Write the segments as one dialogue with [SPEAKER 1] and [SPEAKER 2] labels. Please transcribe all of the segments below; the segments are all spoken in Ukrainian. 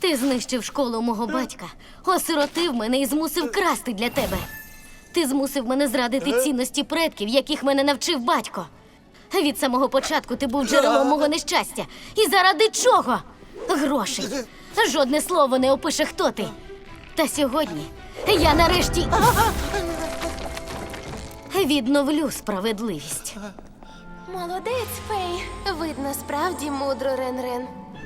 [SPEAKER 1] Ти знищив школу мого батька, осиротив мене і змусив красти для тебе. Ти змусив мене зрадити цінності предків, яких мене навчив батько. Від самого початку ти був джерелом мого нещастя. І заради чого? Грошей. Жодне слово не опише, хто ти. Та сьогодні я нарешті відновлю справедливість.
[SPEAKER 2] Молодець, Фей. Видно, справді мудро, Рен-Рен.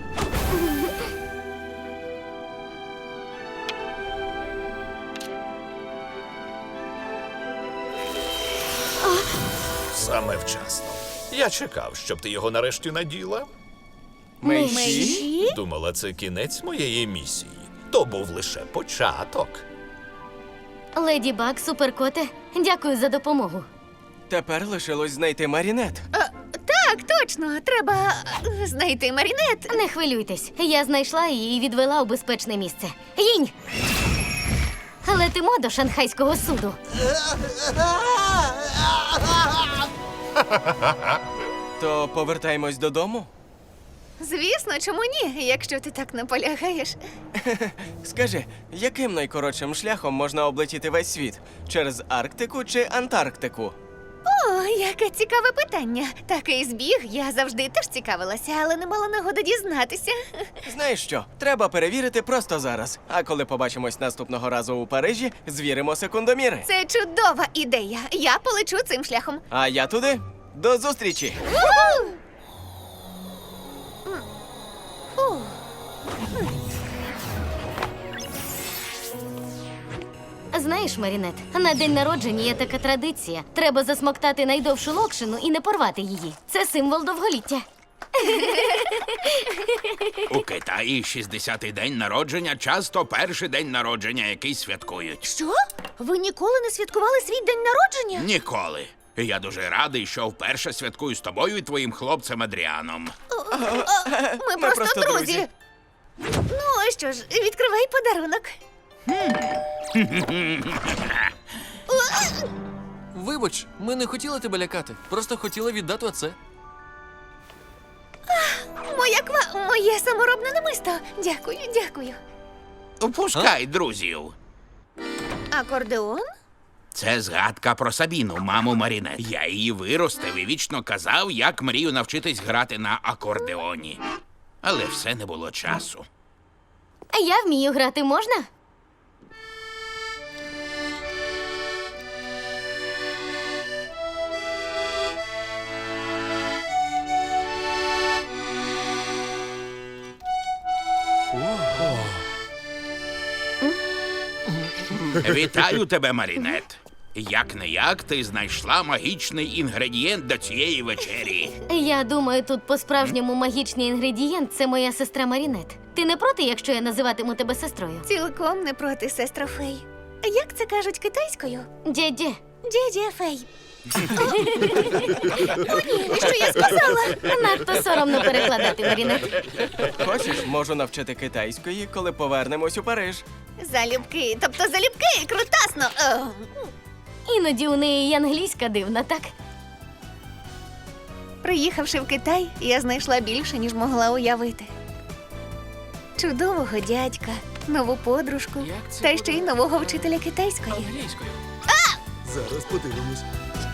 [SPEAKER 3] Саме вчасно. Я чекав, щоб ти його нарешті наділа.
[SPEAKER 2] Мейші?
[SPEAKER 3] Думала, це кінець моєї місії. То був лише початок.
[SPEAKER 1] Леді Баг, суперкоте, дякую за допомогу.
[SPEAKER 4] Тепер лишилось знайти Марінет.
[SPEAKER 5] Так, точно. Треба знайти Марінет.
[SPEAKER 1] Не хвилюйтесь, я знайшла її і відвела у безпечне місце. Їнь! Летимо до шанхайського суду.
[SPEAKER 4] То повертаємось додому?
[SPEAKER 5] Звісно, чому ні, якщо ти так наполягаєш.
[SPEAKER 4] Скажи, яким найкоротшим шляхом можна облетіти весь світ? Через Арктику чи Антарктику?
[SPEAKER 5] О, яке цікаве питання. Такий збіг, я завжди теж цікавилася, але не мала нагоди дізнатися.
[SPEAKER 4] Знаєш що? Треба перевірити просто зараз. А коли побачимось наступного разу у Парижі, звіримо секундоміри.
[SPEAKER 5] Це чудова ідея. Я полечу цим шляхом.
[SPEAKER 4] А я туди. До зустрічі!
[SPEAKER 1] Знаєш, Марінет, на день народження є така традиція. Треба засмоктати найдовшу локшину і не порвати її. Це символ довголіття.
[SPEAKER 6] У Китаї 60-й день народження часто перший день народження, який святкують.
[SPEAKER 5] Що? Ви ніколи не святкували свій день народження?
[SPEAKER 6] Ніколи. І я дуже радий, що вперше святкую з тобою і твоїм хлопцем Адріаном.
[SPEAKER 5] Ми просто друзі. Ну, що ж, відкривай подарунок.
[SPEAKER 7] Вибач, ми не хотіли тебе лякати. Просто хотіли віддати оце.
[SPEAKER 5] Моє саморобне намисто. Дякую, дякую.
[SPEAKER 6] Впускай друзів.
[SPEAKER 5] Акордеон?
[SPEAKER 6] Це згадка про Сабіну, маму Марінет. Я її виростив і вічно казав, як мрію навчитись грати на акордеоні. Але все не було часу.
[SPEAKER 1] Я вмію грати, можна?
[SPEAKER 6] Вітаю тебе, Марінет. Як-не-як ти знайшла магічний інгредієнт до цієї вечері.
[SPEAKER 1] Я думаю, тут по-справжньому магічний інгредієнт – це моя сестра Марінет. Ти не проти, якщо я називатиму тебе сестрою?
[SPEAKER 5] Цілком не проти, сестро Фей. Як це кажуть китайською?
[SPEAKER 1] Дє-дє.
[SPEAKER 5] Дідя Фей. О, ні, що я сказала?
[SPEAKER 1] Надто соромно перекладати, Марінет.
[SPEAKER 4] Хочеш, можу навчити китайської, коли повернемось у Париж.
[SPEAKER 5] Залюбки, тобто залюбки, крутасно.
[SPEAKER 1] Іноді у неї й англійська дивна, так?
[SPEAKER 5] Приїхавши в Китай, я знайшла більше, ніж могла уявити. Чудового дядька, нову подружку,
[SPEAKER 7] Як це
[SPEAKER 5] та ще й нового вчителя китайської.
[SPEAKER 7] Англійською.
[SPEAKER 8] Зараз подивимось.